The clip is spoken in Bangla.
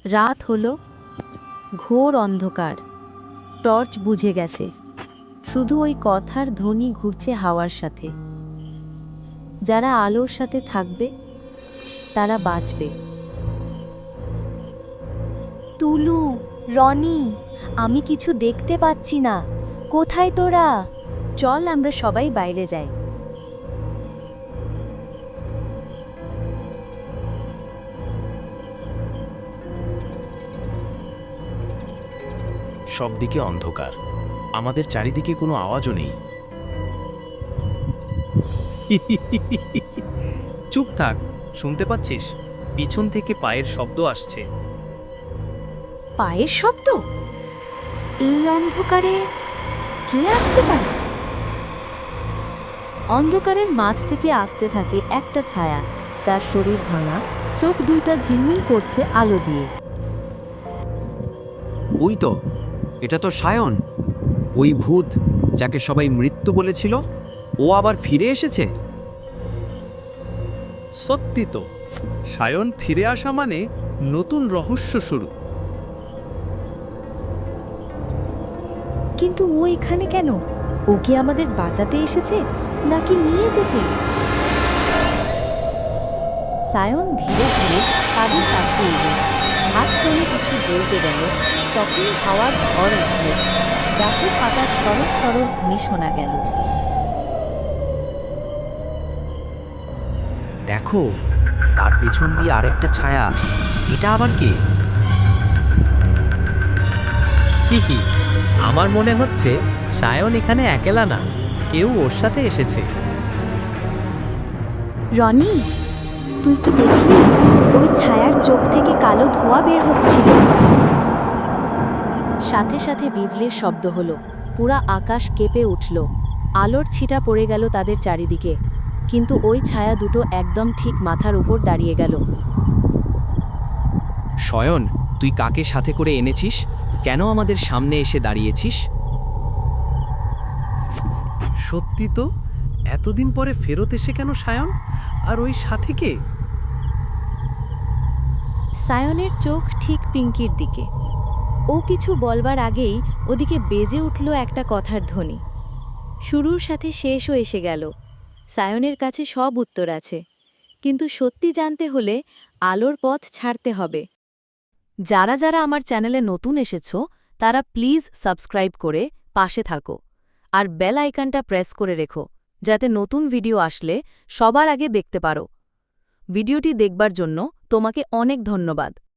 রাত হলো, ঘোর অন্ধকার, টর্চ বুঝে গেছে, শুধু ওই কথার ধ্বনি ঘুরছে হাওয়ার সাথে। যারা আলোর সাথে থাকবে তারা বাঁচবে। তুলু, রনি, আমি কিছু দেখতে পাচ্ছি না, কোথায় তোরা? চল আমরা সবাই বাইরে যাই। সবদিকে অন্ধকার, আমাদের চারিদিকে কোনো আওয়াজও নেই। চুপ থাক, শুনতে পাচ্ছিস? পিছন থেকে পায়ের শব্দ আসছে। পায়ের শব্দ? এই অন্ধকারে কে আসতে পারে? অন্ধকারের মাঝ থেকে আসতে থাকে একটা ছায়া, তার শরীর ভাঙা, চোখ দুইটা ঝিলমিল করছে আলো দিয়ে। ওই তো, এটা তো সায়ন, ওই ভূত যাকে সবাই মৃত্যু বলেছিল, ও আবার ফিরে এসেছে। সত্যি তো, সায়ন ফিরে আসা মানে নতুন রহস্য শুরু। কিন্তু ও এখানে কেন? ও কি আমাদের বাঁচাতে এসেছে নাকি নিয়ে যেতে? সায়ন ধীরে ধীরে তাদের কাছে এলো, হাত তুলে কিছু বলতে গেল, তখনই হাওয়ার ঝড় উঠল, গাছের পাতার সরল সরল ধ্বনি শোনা গেল। দেখো, তার পেছন দিয়ে আরেকটা ছায়া, এটা আবার কে? কি আমার মনে হচ্ছে সায়ন এখানে একলা না, কেউ ওর সাথে এসেছে। রনি, তুই কি দেখলি? ওই ছায়ার চোখ থেকে কালো ধোঁয়া বের হচ্ছিল। সাথে সাথে বিজলির শব্দ হলো, পুরা আকাশ কেঁপে উঠল, আলোর ছিটা পড়ে গেল তাদের চারিদিকে, কিন্তু ওই ছায়া দুটো একদম ঠিক মাথার উপর দাঁড়িয়ে গেল। শয়ন, তুই কাকে সাথে করে এনেছিস? কেন আমাদের সামনে এসে দাঁড়িয়েছিস? সত্যি তো, এতদিন পরে ফেরত এসে কেন সায়ন? আর ওই সাথী কে? সায়নের চোখ ঠিক পিঙ্কির দিকে। ও কিছু বলবার আগেই ওদিকে বেজে উঠল একটা কথার ধ্বনি। শুরুর সাথে শেষও এসে গেল। সায়নের কাছে সব উত্তর আছে, কিন্তু সত্যি জানতে হলে আলোর পথ ছাড়তে হবে। যারা যারা আমার চ্যানেলে নতুন এসেছো তারা প্লিজ সাবস্ক্রাইব করে পাশে থাকো, আর বেল আইকনটা প্রেস করে রেখো, যাতে নতুন ভিডিও আসলে সবার আগে দেখতে পারো। ভিডিওটি দেখবার জন্য তোমাকে অনেক ধন্যবাদ।